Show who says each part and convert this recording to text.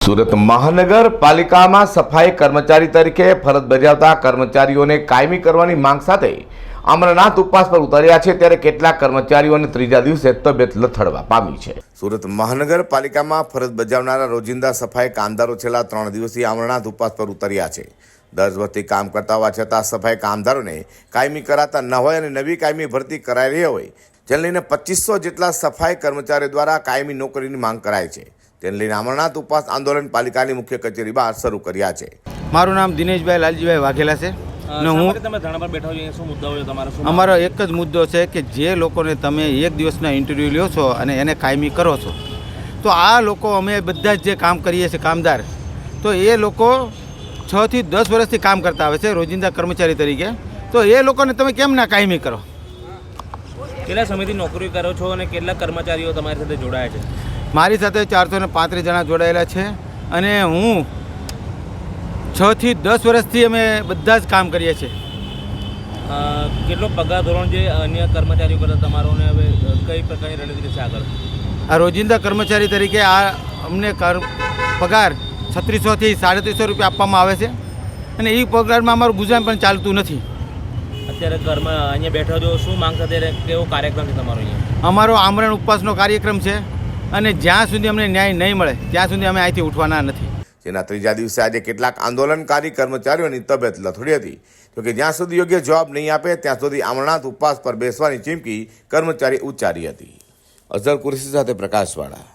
Speaker 1: સુરત મહાનગરપાલિકામાં સફાઈ કર્મચારી તરીકે ફરજ બજાવતા કર્મચારીઓને કાયમી કરવાની માંગ સાથે અમરનાથ ઉપવાસ પર ઉતર્યા છે, ત્યારે કેટલાક કર્મચારીઓને ત્રીજા દિવસે તબિયત લથડવા પામી છે। સુરત મહાનગરપાલિકામાં ફરજ બજાવનારા રોજિંદા સફાઈ કામદારો છેલ્લા 3 દિવસથી અમરનાથ ઉપવાસ પર ઉતર્યા છે। 10 વર્ષથી કામ કરતા હોવા છતાં સફાઈ કામદારોને કાયમી કરાતા ન હોય અને નવી કાયમી ભરતી કરાઈ રહી હોય, જેને લઈને 2500 જેટલા સફાઈ કર્મચારીઓ દ્વારા કાયમી નોકરીની માંગ કરાઈ છે। તેને લઈને અમરનાથ ઉપવાસ આંદોલન પાલિકાની મુખ્ય કચેરી બહાર શરૂ કર્યા છે।
Speaker 2: મારું નામ દિનેશભાઈ લાલજીભાઈ વાઘેલા છે ને હું
Speaker 3: તમે ધરણા પર બેઠા છો, શું મુદ્દા હોય તમારો?
Speaker 2: અમારો એક જ મુદ્દો છે કે જે લોકોને તમે એક દિવસના ઇન્ટરવ્યૂ લ્યો છો અને એને કાયમી કરો છો, તો આ લોકો અમે બધા જ જે કામ કરીએ છીએ કામદાર, તો એ લોકો 6 થી 10 વર્ષથી કામ કરતા આવે છે રોજિંદા કર્મચારી તરીકે, તો એ લોકોને તમે કેમ ના કાયમી કરો?
Speaker 3: કેટલા સમયથી નોકરી કરો છો અને કેટલા કર્મચારીઓ તમારી સાથે જોડાયા છે?
Speaker 2: મારી સાથે 435 જણા જોડાયેલા છે અને હું 6 થી 10 વર્ષથી અમે બધા જ કામ કરીએ છીએ।
Speaker 3: કેટલો પગાર ધોરણ જે અન્ય કર્મચારીઓ કરતા તમારો ને હવે કઈ પ્રકારની રણનીતિ છે આગળ?
Speaker 2: આ રોજિંદા કર્મચારી તરીકે આ અમને પગાર 3600 થી 3750 રૂપિયા આપવામાં આવે છે અને એ પગારમાં અમારું ગુજરાન પણ ચાલતું નથી।
Speaker 3: અત્યારે ઘરમાં અહીંયા બેઠા છો, શું માંગ સાથે કેવો કાર્યક્રમ છે તમારો અહીંયા?
Speaker 2: અમારો આમરણ ઉપવાસનો કાર્યક્રમ છે અને જ્યાં સુધી અમને ન્યાય નહીં મળે ત્યાં સુધી અમે અહીંથી ઉઠવાના નથી।
Speaker 1: જેના ત્રીજા દિવસે આજે કેટલાક આંદોલનકારી કર્મચારીઓની તબિયત લથડી હતી, તો કે જ્યાં સુધી યોગ્ય જવાબ નહીં આપે ત્યાં સુધી અમરનાથ ઉપવાસ પર બેસવાની ચીમકી કર્મચારી ઉચ્ચારી હતી। અઝર કુરેશી સાથે પ્રકાશવાળા।